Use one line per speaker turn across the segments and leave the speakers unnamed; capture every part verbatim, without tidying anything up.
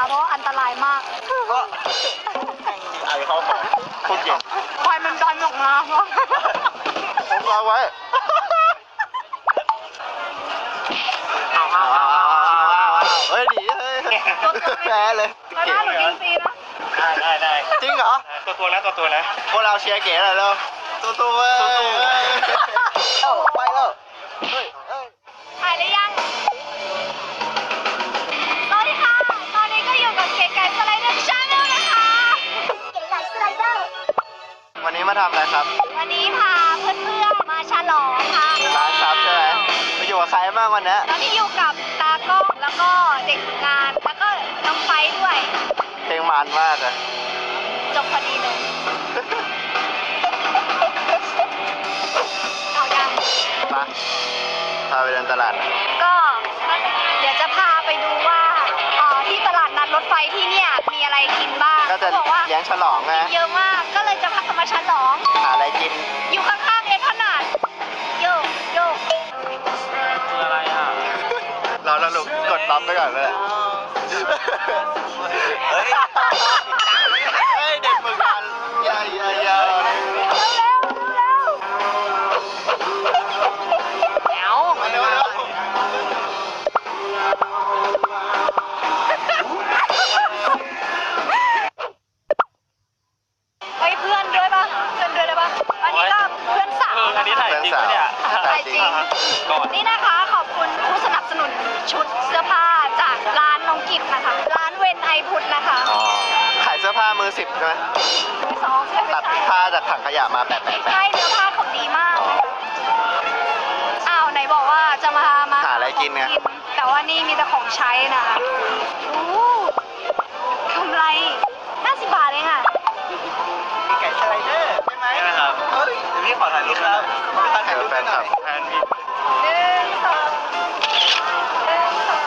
เพราะอันตรายมาก
ก็ไอ้เขาของพูดเก่ง
คอยมันดันออกมาเพราะ
ผมวางไว้เอาเอาเอาเอาเฮ้ยดีเฮ้ยแพ้เลย
แล้วหน้าหนูกินฟรีนะ
ได้ได้ได้
จริงเหรอ
ตัวตัวนะตัวตัวนะ
พวกเราเชียร์เก๋หน่อยเร็วตัวตัวเว้ยไปแล้วเฮ้ยเฮ้ย
ถ่ายได้ยังสวัสดีค่ะ ตอนนี้ก็อยู่กับเก๋ไก่สไลเดอร์ชาแนลนะคะเก๋ไก่สไลเดอร์
วันนี้มาทำอะไรครับ
วันนี้พาเพื่อนๆมาฉลองค่ะ
ร้านซับใช่ไหมไปอยู่กับใครบ้างวันนี้
ตอนนี้อยู่กับตากล้องแล้วก็เด็กฝึกงาน แล้วก็น้องไฟด้วย
เพลงมันมากเลย
จบพอดีเลย เอายัง
มาพาไปเดินตลาดหน่อย
ก็เดี๋ยวจะพาไปดูว่าเอ่อที่ตลาดนัดรถไฟที่เนี่ยมีอะไรกินบ้าง
ก็จะ
เขาบอกว่า
เลี้ยงฉลองไง
เยอะมาก ก็เลยจะพามาฉลอง
หาอะไรกิน
อยู่ข้างๆเอ็นขนาดโยกโยก
คืออะไรอ่ะ
เราแล้วลูกกดรับไปก่อนเลยเฮ้ยเฮ้ยเด็กฝึกงานยาวยาวยาว
เร็วเร็วเร็วเร็วเอา
มาเร็วเร็ว
เฮ้ยเพื่อนด้วยปะเพื่อนด้วยได้ปะอันนี้ก็เพื่อนสาว
เอออันนี้ถ่ายจริงปะเนี่ย
ถ่ายจริง
ก่อน
นี่นะคะขอบคุณผู้สนับสนุนชุดเสื้อผ้าจากร้านน้องกิฟนะคะ ร้านเวนไอพุทธนะคะ
อ๋อขายเสื้อผ้ามือสิบใช่ไหม
มือสองใช่ไหม
ตัดผ้าจากถังขยะมาแปะแปะแปะ
ใช่เนื้อผ้าเขาดีมากนะคะอ้าวไหนบอกว่าจะมามา
หาอะไรกินไง
แต่ว่านี่มีแต่ของใช้นะคะโอ้กำไรห้าสิบบาทเองอ่ะ
ไก่สไลเดอร์ใช่ไหม
ใช่ไหมครับ
เฮ้ย
เดี๋ยวพี่ขอถ่ายรูปครับ
ถ่ายรูปแฟนคลับ
แทนพี่
หนึ่งสองหนึ่งสอง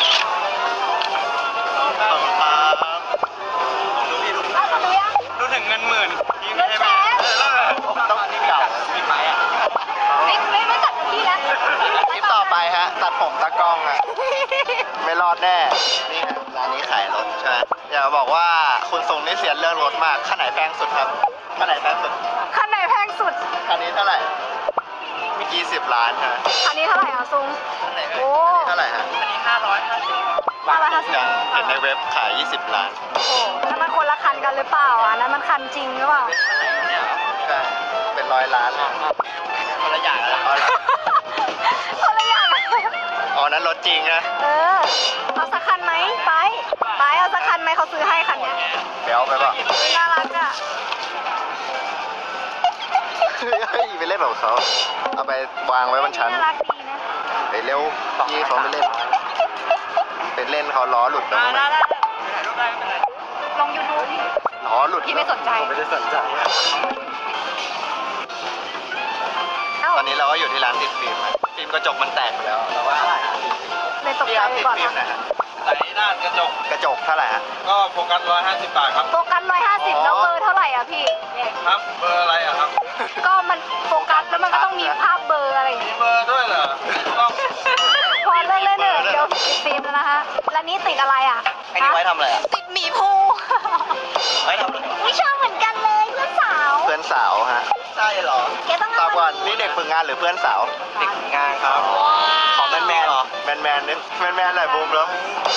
ขอบคุณครับ
ดูพี่ดู
อ้าวดูยัง
ดูถึงเงินหมื่นพี่
เงินแสน
เออแล้วเหรอ
ต้องเก่า
พี่ไปอ่ะ
ไม่ไม่ไม่จัดพี่แล้ว
คลิปต่อไปฮะ ตัดผมตากล้องอะไม่รอดแน่ นี่ฮะร้านนี้ขายรถใช่ไหมอยากจะบอกว่าคุณทรงนี่เสียเรื่องรถมากคันไหนแพงสุดครับคันไหนแพงสุด
คันไหนแพงสุด
คันนี้เท่าไหร่ยี่สิบล้านใช่ไหม
คันนี้เท่าไหร่อ่ะซุง
คันไหน
โอ้
เท่าไหร่ฮะ
อันนี้ห้าร้อยห้าสิบ
ห้าร้อยห้าสิบ
ยังเห็นในเว็บขายยี่สิบล้าน
โอ้โหนั่นมันคนละคันกันหรือเปล่าอ่ะนั่นมันคันจริงหรือเปล่า
เนี่ยใช่เป็นร้อยล้านเลยคนละอย่างแล้ว
คนละอย่างอะ
อ๋อนั้นรถจริงนะ
เออ เอาสักคันไหมไปไปเอาสักคันไหมเขาซื้อให้คันเนี้ย
เดี๋ยวเอาไปป่ะ
น่ารักอ่ะ
เฮ้ยไปเล่นแบบเขาเอาไปวางไว้บนชั้น
น่ารักดีนะ
ไปเร็วยี่เขาไม่เล่นไปเล่นเขาล้อหลุดแล้ว
ได้
มั้ง
ได้ได้ถ่ายรูปได้ไม่เป็นไร
ลงยูทูบ
ล้อหลุด
พี่ไม่สนใจ
ผมไม่ได้สนใจ
เอ้า
ตอนนี้เราก็อยู่ที่ร้านติดฟิล์มอะฟิล์มกระจกมันแตกไปแล้วเราว่า
เลยตก
พี่
ใจ
ครับ
ไป
ติด
ก่อน
ฟิล์ม
นะ
นะฮะ
ไหนหน้ากระจก
กระจกเท่าไหร่ฮะ
ก็โฟกัสร้อยห้าสิบบาทครับ
โฟกัสร้อยห้าสิบแล้วเบอร์เท่าไหร่อ่ะพี่
ครับเบอร์อะไรอ่ะครับ
ก็มันโฟกัสแล้วมันก็ต้องมีภาพเบอร์อะไรอย่าง
มี
เงี้ย
เบอร์ด้วยเหรอต้อง
พอเลิกเล่นเถอะเดี๋ยวติดฟิล์มแล้วนะคะแล้วนี่ติดอะไรอ่ะ
ไอ้นี่ไว้ทำอะไรอ่ะ
ติดหมีภู
ไว้ทำอะไร
ไม่ชอบเหมือนกันเลยเพื่อนสาว
เพื่อนสาวฮะใช่เหรอ
แกต้อง
ตอบก่อน
เามา
นี่เด็กฝึกงานหรือเพื่อนสาวเด็กฝึกงานครับขอแมนแมนแมนแมนนึงแมนแมนหน่อยบูมแล้ว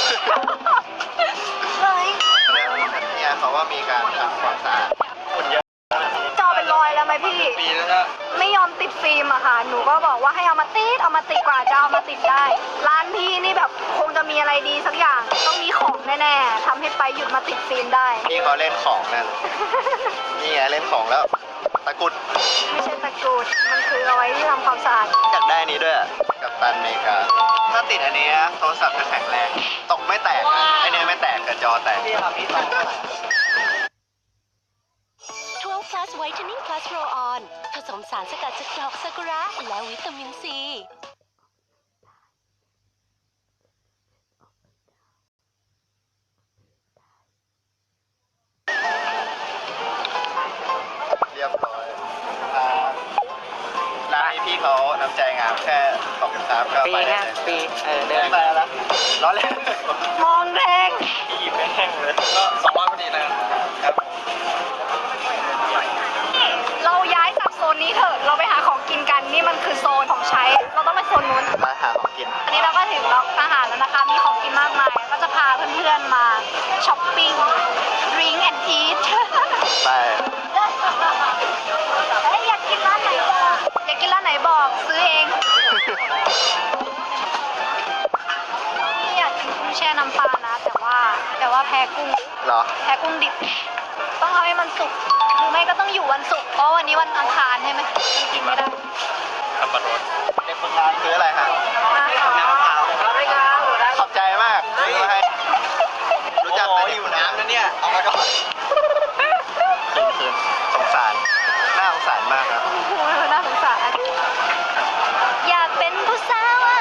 เฮ้ย
เนี่ยเขาว่ามีการทำความสะอาดฝุ่นเยอะ
จอเป็นรอยแล้วไหมพี่
ปีแล้วนะ
ไม่ยอมติดฟิล์มอะค่ะ หนูก็บอกว่าให้เอามาติด เอามาติดกว่าจะเอามาติดได้ ร้านพี่นี่แบบคงจะมีอะไรดีสักอย่าง ต้องมีของแน่ๆทำให้ไปหยุดมาติดฟิล์มได้
นี่เขาเล่นของนั่น นี่ไงเล่นของแล้ว ตะกรุด
ไม่ใช่ตะกรุด มันคือเอาไว้ที่ทำความสะอาด
อยากได้อันนี้ด้วยอะกับตันอเมริกา ถ้าติดอันนี้นะโทรศัพท์จะแข็งแรง ตกไม่แตกนะไอเนี้ยไม่แตกแต่จอแตกพี่ครับพี่ต้อง
ทวง plus whitening plus roll on ผสมสารสกัดจากดอกซากุระและวิตามินซี
เรียบร้อยอ่าร้านนี้พี่เขาน้ำใจงามแค่ขอบคุณครับก็
ปี
ไปได้
นะ
เลย
ปีเออเดิน
ไปแล้วร้อนเลย
มองแรง
หยิบแห้งเลยก็สองร้อยพอดีนะครับ
เราย้ายจากโซนนี้เถอะ เราไปหาของกินกัน นี่มันคือโซนของใช้ เราต้องไปโซนนู้น
มาหาของกิน
อันนี้เราก็ถึงล็อกอาหารแล้วนะคะ มีของกินมากมาย ก็จะพาเพื่อนๆมาช้อปปิ้ง drink and eat
ไป
เฮ้ยอยากกินร้านไหนบอกอยากกินร้านไหนบอกซื้อเอง นี่อยากกินกุ้งแช่น้ำปลานะ แต่ว่าแต่ว่าแพ้กุ้ง
เหรอ
แพ้กุ้งดิบ ต้องเอาให้มันสุก หรือไม่ก็ต้องอยู่วันศุกร์เพราะวันนี้วันอังคารใช่ไหมมันกินไม่ได้
ขับปะรถ
เด็กฝึกงานซื้ออะไรฮะ
น้ำมะพร้าว
ขอบใจมากซื้อมาให้ รู้จักแต่อยู่น้ำนะเนี่ย เอามาก่อนคืนคืนสงสาร น่าสงสารมากครับ
น่าสงสารอยากเป็นผู้สาวไอ้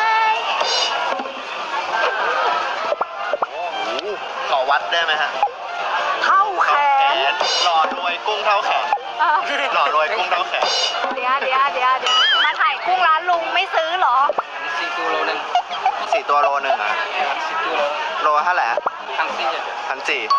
โอ้โหขอวัดได้ไหมฮะ
เท่าแข
แข
น
นหล่อรวยกุ้งเท่าแขน
เออ
หล่อรวยกุ้งเท่าแขน
เดี๋ยวเดี๋ยวเดี๋ยวเดี๋ยวมาถ่ายกุ้งร้านลุงไม่ซื้อเหรอ
สี่ตัวโลนึง
สี่ตัวโลหนึ่งอ่ะ
สี่ตัวโล
โลเท่าไหร่ฮะ
ทั้งสี่
พันสี่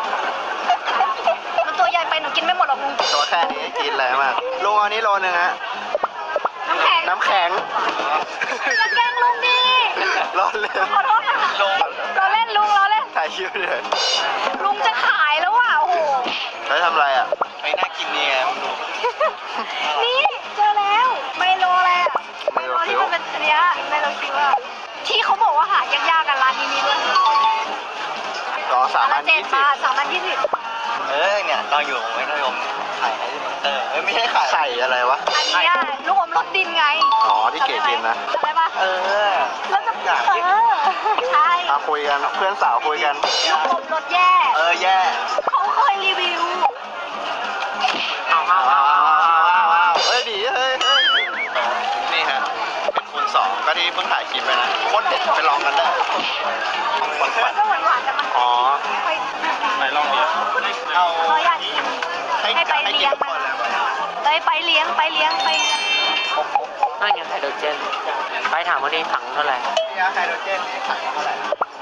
มันตัวใหญ่ไปหนูกินไม่หมดหรอกลุง
ตัวแค่นี้กินอะไรมากลุงเอานี้โลหนึ่งฮะ
น้ำแข็ง
น้ำแข็ง
อย่าแกล้งลุงดิ
ร้อนเลย
ขอโทษนะเราเล่นลุงเราเล่น
ถ่ายคลิปเลย
ลุงจะขายแล้วอ่ะโอ้โห
แล้วทำอะไรอ่ะ
ไม่น่ากินเนี่ยมึงดู
นี่เจอแล้วไมโลอะไรอ่ะ
ไมโลคิ้
ที่
ว
มันเป็นอันเนี้ยไมโลคิวอ่ะที่เขาบอกว่าหายากๆกันร้านนี้มีด้วย
สองสามพัน
เจ็ด
ยี่สิบบ
าทสามพันยี่สิบ
เออเนี่ยตอนอยู่ของไม่นิยมขายให้เตอร์เออไม่ใช่ขาย
ไข่อะไรวะ
อันเนี้ยลูกอมรสดินไง
อ๋อที่เก๋กินนะ
จำได้ปะ
เออ
แล้วจะเออใช่
มาคุยกัน เพื่อนสาวคุยกัน
ลูกอมรสแย่
เออแย่
เขาเคยรีวิว
เอาเอา
ว้า
เอา
ว
เอา
ว้าว
เอา
ว้าวว้าวเฮ้ยดีเฮ้ยเฮ้ยนี่ฮะ เป็นคูณสองก็ที่เพิ่งถ่ายคลิปไปนะโคตรเด็ดไปลองกันได้
มันก็หวานๆแต่มัน
อ๋อ
ค่อย
ไหนลองดิ
เอา
เขาอยากกิน
ให้
ให้ไป
ให้
เลี้
กิน
ยง
ทุกคนเลยป่ะ
ไปไปเลี้ยงไปเลี้ยงไปเลี้ยง
นั่นไงไฮโดรเจน ไปถามว่านี่ถังเท่าไหร่
ยาไฮโดรเจนนี่ขายเท่าไหร่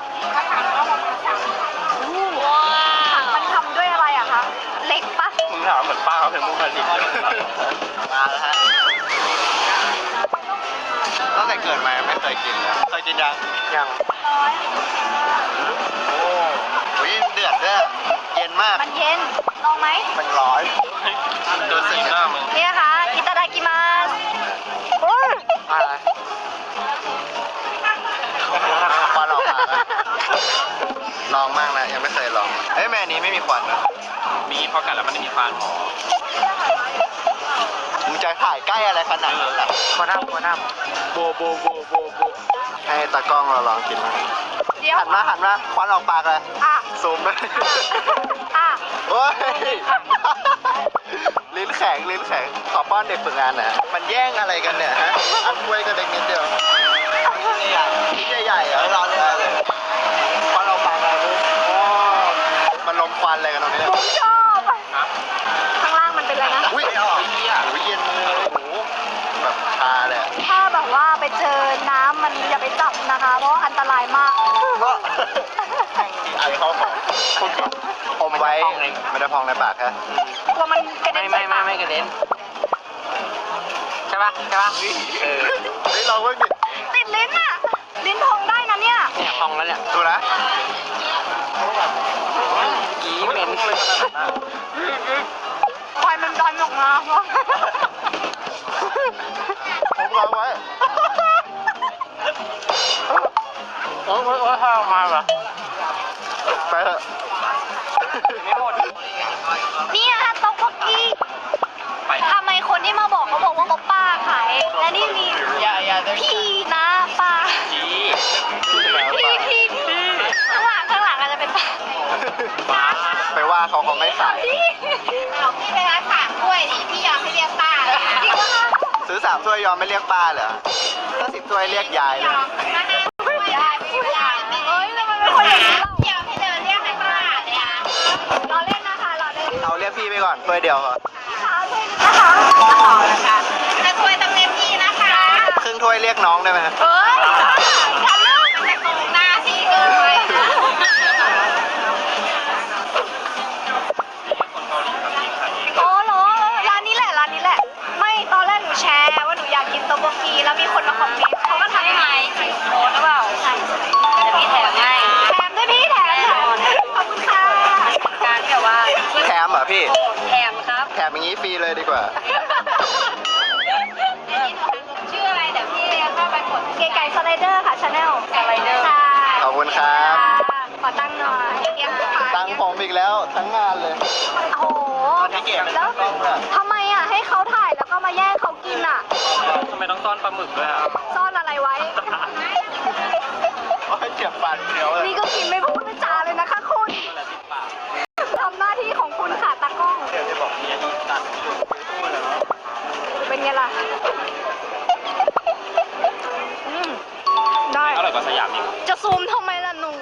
ถังมันทำด้วยอะไรอะคะเหล็กปะ
มึงถามเหมือนป้าเขาเป็นมุกผลิตเลย
มาแล้วฮะตั้งแต่เกิดมาไม่เคยกินเลยเคยกินยัง
ยัง
ร้อย
โอ้โหเดือดด้วยเย็นมาก
มันเย็นลองไหม
เป็นร้อย
ดูสีหน้ามึง
นี่นะคะอิตาดากิมาส
อะไร
ควันออกมาแล้วลองมากนะยังไม่เคยลองเอ้ยแม่อันนี้ไม่มีควันนะ
มีพอกัดแล้วมันไม่มีฟัน
มึงจะถ่ายใกล้อะไรขนาดนั้นล่ะ
คนน้ำคนน้
โบโบโบโบโบให้ตากล้องเราลองกินมา
เดี๋ยว
หันมาหันมาควันออกปากเลย
อ่ะ
ซูมไป
อ่ะ
โอ้ยลิ้นแข็งลิ้นแข็งขอป้อนเด็กฝึกงานหน่อยฮะมันแย่งอะไรกันเนี่ยฮะอันกล้วยก็เด็กนิดเดียวใหญ่ชิ้นใหญ่ๆเหรอเราเลยเลยควันออกปากเลยลูกโอ้มันลมควันอะไรกันตรงนี้
ผมชอบอ่ะข้างล่างมันเป็นอะไรนะ
อุ้ยออกอุ้ยเย็นเลยโอ้โหแบบชาเลยอะ
ถ้าแบบว่าไปเจอน้ำมันอย่าไปจับนะคะ เพราะอันตรายมาก
ก็ไอเข้าของอมไว้ไม่ได้พองในปากฮะ
กลัวมันกระ
ำ
เด็
ไม่
น
ไม่
ใส่
ไม่
ปาก
ไม่กระเด็น ใช่ปะใช่ปะเออ
เฮ้ยลองเพิ่งดิ
ติดลิ้นอ่ะ ลิ้นพองได้นะเนี่ย
เนี่ยพองแล้วเนี่ย
ดูนะ
กีเหม็น
คอยมันดันออกมา
ผมลองไว้
โอ้ยโอ้ยโอ้ยถ้าออกมาเหรอ
ไปเถอะ
ไม่หมด
เนี่ยต๊อกโบกี้ทำไมคนที่มาบอกเขาบอกว่าโอป้าขาย และนี่มี
อย่าอย่า
พี่นะป้า
กี
พี่พี่พี่ข้างหลังข้างหลังอาจจะเป็นป้า
ไปว่าเขาเขาไม่ขาย
พี่เอาพี่ไปร้านฝากกล้วยดิพี่ยอมให้เรียกป้าจริงปะคะ
ซื้อสามถ้วยยอมไม่เรียกป้าเหรอถ้าสิบถ้วยเรียกยายเลย
ได้พี่ไม่ได้เอ้ยทำไมเป็นคนอย่างนี้เรายอมให้เดินเรียกให้ป้าเลยอ่ะเราเล่นนะคะเราเล่น
เอาเรียกพี่ไปก่อนถ้วยเดียวเหรอ
นะคะต่อนะคะจะช่วยต้องเรียกพี่นะคะ
ครึ่งถ้วยเรียกน้องได้ไหมฮะ
เฮ้ยฉันเลิกแต่ตรงหน้าพี่เกิ
เลยดีกว่า
ชื่ออะไรเดี๋ยวพี่เข้าไปกดเก๋ไก่สไลเดอร์ค่ะชาแนลสไลเดอร์ใช่
ขอบคุณครับ
ขอตั้งหน่อยเยี่ยมค่ะ
ตังค์ผมอีกแล้วทั้งงานเลย
โอ้โห
พี่เก๋เป็น
แล้ว
กล้องเลย
ทำไมอ่ะให้เขาถ่ายแล้วก็มาแย่งเขากินอ่ะ
ทำไมต้องซ่อนปลาหมึกด้วยครับ
ซ่อนอะไรไว้
โอ้ยเจ็บฟันเดียวเลย
นี่ก็กินไม่พูดไม่จาเลยนะคะคุณทำหน้าที่ของคุณค่ะตากล้อง
เดี๋ยวจะบอกเนี่ยตัดพูดเลยเนาะ
เป็นไงล่ะอืมได้
อร่อยกว่าสยามอีก
จะซูมทำไมล่ะหนู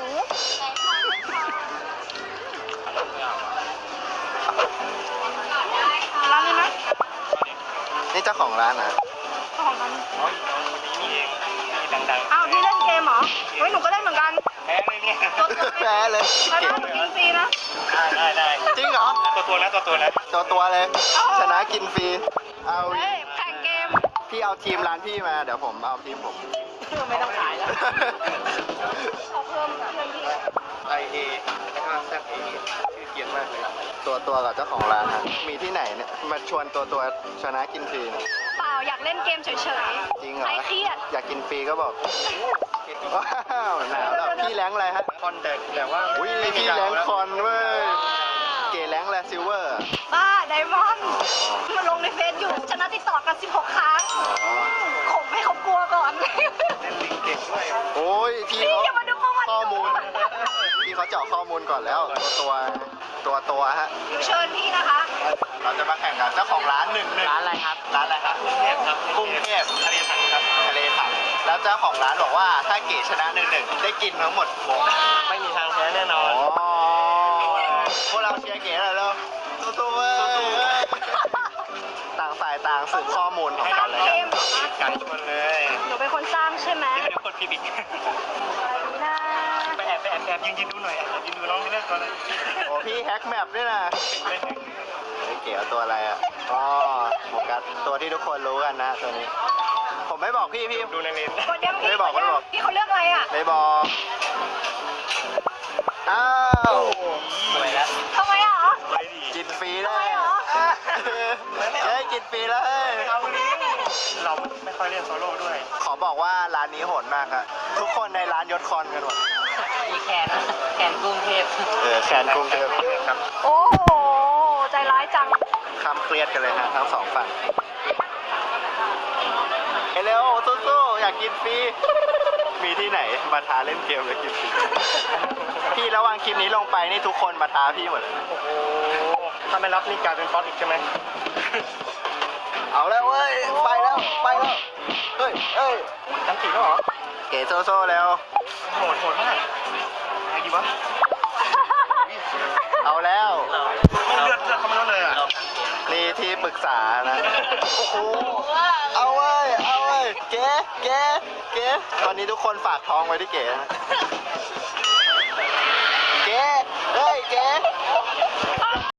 ร้านนี้นะ
นี่เจ้าของร้านนะ
ของมัน
อ๋อน้องคนนี้นี่เองที่ดัง
อ้าวพี่เล่นเกมเหรอเฮ้ยหนูก็เล่นเหมือนกัน
ๆแพ้เลยเนี่ย
ตัวตัว
แพ้เลย
แล้วนะหนูกินฟรีนะ
ได้ได้ได้
จริงเหรอ
ตัวตัวนะตัวตัวนะ
ตัวตัวเลย ชนะกินฟรี เอา
เฮ้ยแข่งเกม
พี่เอาทีมร้านพี่มา เดี๋ยวผมเอาทีมผม
ไม่ต้องขายแล้วเขาเพิ่มเพื่อนพี่
ไอเอแล้วก็แซดเอชื่อเกียนมากเลย ตัวตัวกับเจ้าของร้านฮะมีที่ไหนเนี่ย มาชวนตัวตัวชนะกินฟรีเนี่ย
เปล่าอยากเล่นเกมเฉย
จริง
ๆ
เหรอ
ใครเครียด
อยากกินฟรีก็บอก ว้าวหนาวแล้วพี่แรงอะไรฮะ
คอนเด็กแต่ว่า
อุ้ยพี่แรงคอนเว้ย เก๋แรงแหละซิลเวอร์
บ้าไดมอนด์มาลงในเฟซอยู่ชนะติดต่อกันสิบหกครั้งข่มให้เขากลัวก่อน
เล่นลิงเก่งด้วย
โอ้ยพี่
นี่
เขา
อย่ามาดูประวัติ
ข้อมูล พี่เขาเจาะข้อมูลก่อนแล้ว ตัวตัวตัวตัวฮะ
หนูเชิญพี่นะคะ
เราจะมาแข่งกับเจ้าของร้านหนึ่งหนึ่ง
ร้านอะไรครับ
ร้านอะไรครับ
กรุงเทพครับ
กรุงเทพ
ทะเลถังครับ
ทะเลถังแล้วเจ้าของร้านบอกว่าถ้าเก๋ชนะหนึ่งหนึ่งได้กินทั้งหมดวง
ไม่มีทางแพ้แน่นอน
อ๋อพวกเราเชียร์เก๋หน่อยเร็วสู้ๆเว้ยต่างฝ่ายต่างสืบข้อมูลของ
สร้า
กั
ง
นและ
เก
กัน
มเหรอคะ
การชวนเลย
หนูเป็นคนสร้างใช่ไหม
เดี๋ยวคนผิดอีก
อะไรนะ
ไปแอบไปแอบแอบยืนยืนดูหน่อยแอบยืนดูน้องให้เลือกตัวเลย
โอ้พี่แฮกแมปด้วยนะ
เล่น
เฮ้ยเก๋เอาตัวอะไรอ่ะอ๋อโฟกัสตัวที่ทุกคนรู้กันนะตัวนี้ ผมไม่บอกพี่พี่
ดูในเลน
กดยังพี่
ไม่บอก
ดยัง
ไม่บอก
พี่เขาเลือกอะไรอ่ะ
ไม่บอกอ้าว
สวยแล้ว
ทำไมอ่ะ
สวยดี
กินฟรี
ทำ
ได้
ไมเหรอ
เฮ้ยกินฟรีแล้วเฮ้ย
เอาคนนี้เราไม่ค่อยเล่นโซโล่ด้วย
ขอบอกว่าร้านนี้โหดมากครับทุกคนในร้านยศคอนกันหมด
มีแขนแขนกรุงเทพ
เออแขนกรุงเทพ
ครับ
โอ้โหใจร้ายจัง
คำเครียดกันเลยฮะทั้งสองฝั่งเฮ้ยเร็วสู้ๆอยากกินฟรีมีที่ไหนมาท้าเล่นเกมแล้วกินฟรีพี่ระหว่างคลิปนี้ลงไปนี่ทุกคนมาท้าพี่หมดเลย
โอ้โหถ้าไม่รับนี่กลายเป็นฟอสอีกใช่ไหม
เอาแล้วเว้ยไปแล้วไปแล้วเฮ้ยเฮ้ย
จังสีแล้วเหรอ
เก๋โซโซ่แล้ว
โหดโหดมากไงดีวะ
เอาแล้ว
ไม่เลือดเลือดเขาไม่ลดเลยอ่ะ
นี่ที่ปรึกษานะโอ้โหเอาเว้ยเอาเว้ยเก๋เก๋เก๋ตอนนี้ทุกคนฝากท้องไว้ที่เก๋นะเก๋เฮ้ยเก๋